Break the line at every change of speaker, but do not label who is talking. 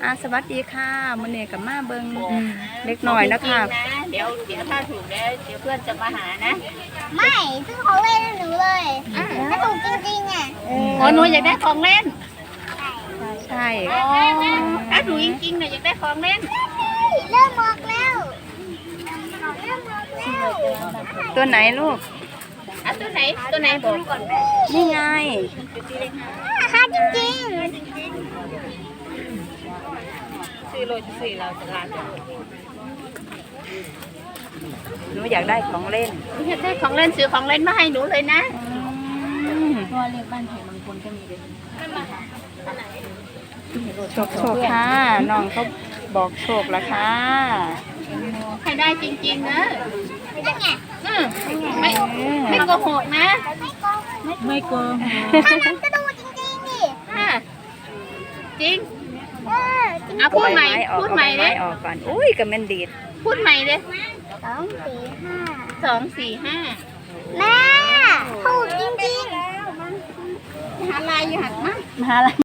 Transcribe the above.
สวัสดีค่ะมื้อนี้กับมาเบิ่งเล็กน้อยนะคะ
เดี๋ยวถ้าถูกแล้วเดี๋ยวเพื่อนจะมาหานะ
ไม่ซื้อของเล่นให้หนูเลยถ้าถูกจริงๆอ่ะ
อ๋อหนูอยากได้ของเล่น
ใช่
อ๋อถ้าถูกจริงๆเนี่ยอยากได้ของเล่น
เริ่มมอกแล้วเริ่มมอกแล้ว
ตัวไหนลูก
อ่ะตัวไหนบอกก่อน
นี่ไง
ราคาจริง
ซื้อโรยซื้อเราจะลา
หนูอยากได้ของเล่น
อยากได้ของเล่นซื้อของเล่นมาให้หนูเลยนะ
ตัวเลขบ้านไผ่บางคนก็มีเลยโชคค่ะน้องเขาบอกโชคแล้วค่ะ
ให้ได้จริงๆนะ
ๆนั่นไง
ไม่โกหกนะ
ไม่โกงถ้านั้นก็ดูจริงๆดิ
จริง
จริง
เอาพูดใหม่
ออก
พูดใหม่
เอา
เลย
ไม้ออกก่อนอุ้ยกับแมนดีด
พูดใหม่เลย
2 4
2 4 5
5แม่ถูกจริงๆ
หาลายอยู่หัดมั้ง
มาแล้ว